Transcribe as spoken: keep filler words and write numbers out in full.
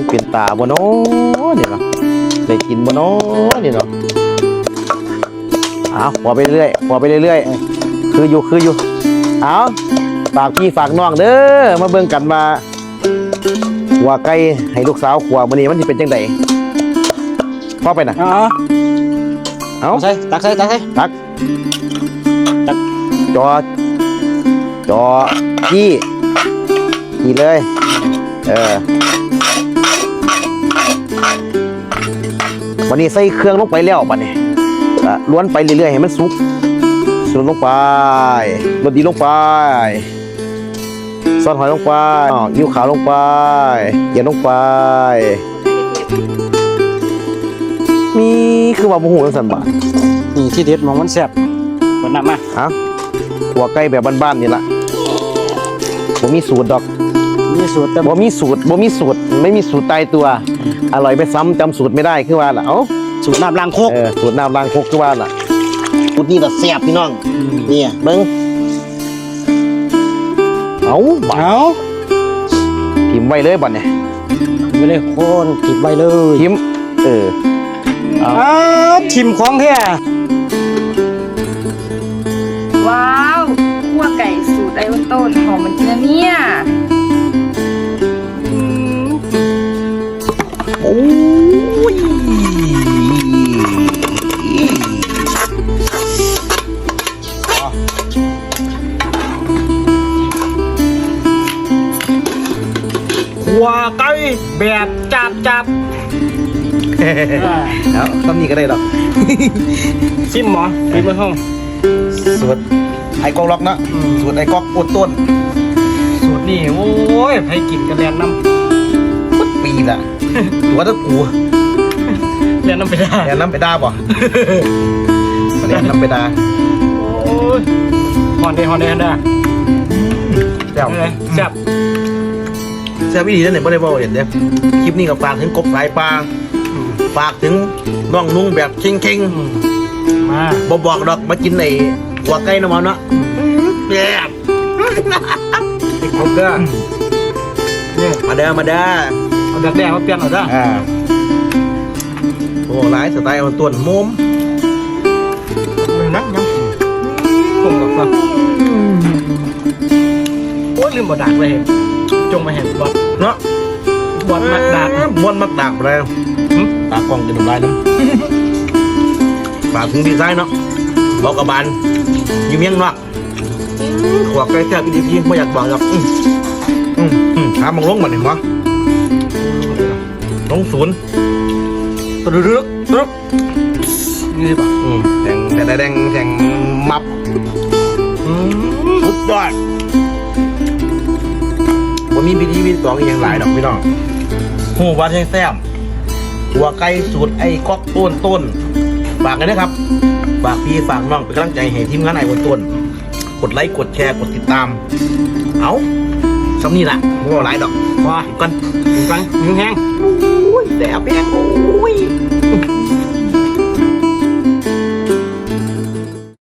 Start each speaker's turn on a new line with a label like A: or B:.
A: เป็นตาบ่เนาะนี่เนาะได้กินบ่เนาะนี่เนาะเอาขอไปเรื่อยขอไปเรื่อยคืออยู่คืออยู่เอาฝากพี่ฝากน้องเด้อมาเบิ่งกันมาขัวไก่ให้ลูกสาวขัวมื้อนี้มันสิเป็นจังไดพอไปน่ะ
B: อ๋อ
A: เอา
B: ใส่ตักใส่ตักใส่
A: ตักตักจอจอจี้จี้เลยเออวันนี้ใส่เครื่องลงไปแล้วบัดนี้ล้วนไปเรื่อยๆให้มันสุกสุกลงไปรสดีลงไปซอสหอยลงไปยิ้วขาวลงไปเกี๊ยวลงไปมีคือว่าโมโหกันสันบ่
B: นี่ที่เด็ดมองมันแซ่บเปิดน้ำมา
A: ฮะหัวไก่แบบบ้านๆนี่ละบ่มีสูตรดอก
B: มีสูตรแต่
A: บ่มีสูตรบ่มีสูตรไม่มีสูตรตายตัวอร่อยไปซ้ำจำสูตรไม่ได้คือว่าล่ะเอ้า
B: สูตรน้ำล้างโคก
A: เออสูตรน้ำล้างคกคือว่าล่ะสูตรนี้ล่ะแซ่บพี่น้องนี่เบิ่งเอาบ่
B: เอา
A: ทิมไว้เลยบัดเนี่ย
B: ไปเลยโคนติดไว้เลย
A: ทิมเออ
B: อ้าวทิมของแท้
C: ว้าวคั่วไก่สูตรไอวันต้นหอมเหมือนกันนะเนี่ยอืม
A: โอ้ย
B: ขัวไก่แบบจับจับ
A: เอาซ้ำนี้ก็ได้ดอก
B: ซิมหมอปิดมือห้อง
A: สูตรไอ้กอกล็อกนะสูตรไอ้กอกโอดต้น
B: สูตรนี่โอ้ยให้กินกันแลนน้
A: ปุ๊บปีละตัวตะกู
B: ำแลนน้ำไปได้
A: แอนน้ำไปด่าบ่มาเรียนน้ำไปด่า
B: โอ้ยฮอนเดฮอนเดฮอนเด
A: แซ่บ
B: เลยแซ่บ
A: แซ่บอีดีนั่นเนี่ยไม่ได้บอกเห็นเด้คลิปนี้ก็ฝากถึงกบสายปลาฝากถึงน้องนุ่งแบบเข่ง
B: มา
A: ๆบ่บอกดอกมากินไอ้หัวไก่น้ำมันเนาะแซ่บ
B: ติดครบเด้อนี่
A: มาเด้อมาเด้อ
B: เอาแดกๆมาเปลี่ยนเอาเด้อ
A: อ่าโอ้หลายสไตล์มันต้วนมุม
B: นักยังผมกับฟังโอ้ยลืมบดดักเลยจงมาเห็นบอด
A: เนาะ
B: บอดมักดัก
A: ม้วนมักดักเลยตากล้องจะทำลายน้ำฝากถึงดีไซน์เนาะบอกกับบานอยู่เมียงนอกขวบใกล้แซ่บอีดีพี่ไม่อยากบอกหรอกอืมอืมอืมหามังลงมาหนึ่งวะลงศูนย์ตรึกตรึกตรึก
B: นี่ป่ะ
A: อืมแทงแต่แดงแทงมับ
B: อืม
A: สุดยอดวันนี้พิธีพิธีสองอีกอย่างหลายดอกพี่น้องหูวัดแห้งแซ่บหัวไก่สูตรไอ้ก๊อกต้นต้นฝากกันนะครับฝากพี่ฝากน้องเป็นกำลังใจให้ทีมงานไอ้บนต้นกดไลค์กดแชร์กดติดตามเอาสำนี่ละไม่ว่าหลายดอก
B: ว่า
A: กัน
B: กันยิงแห้ง
A: โอ้ยแซ่บแห้งโอ้ย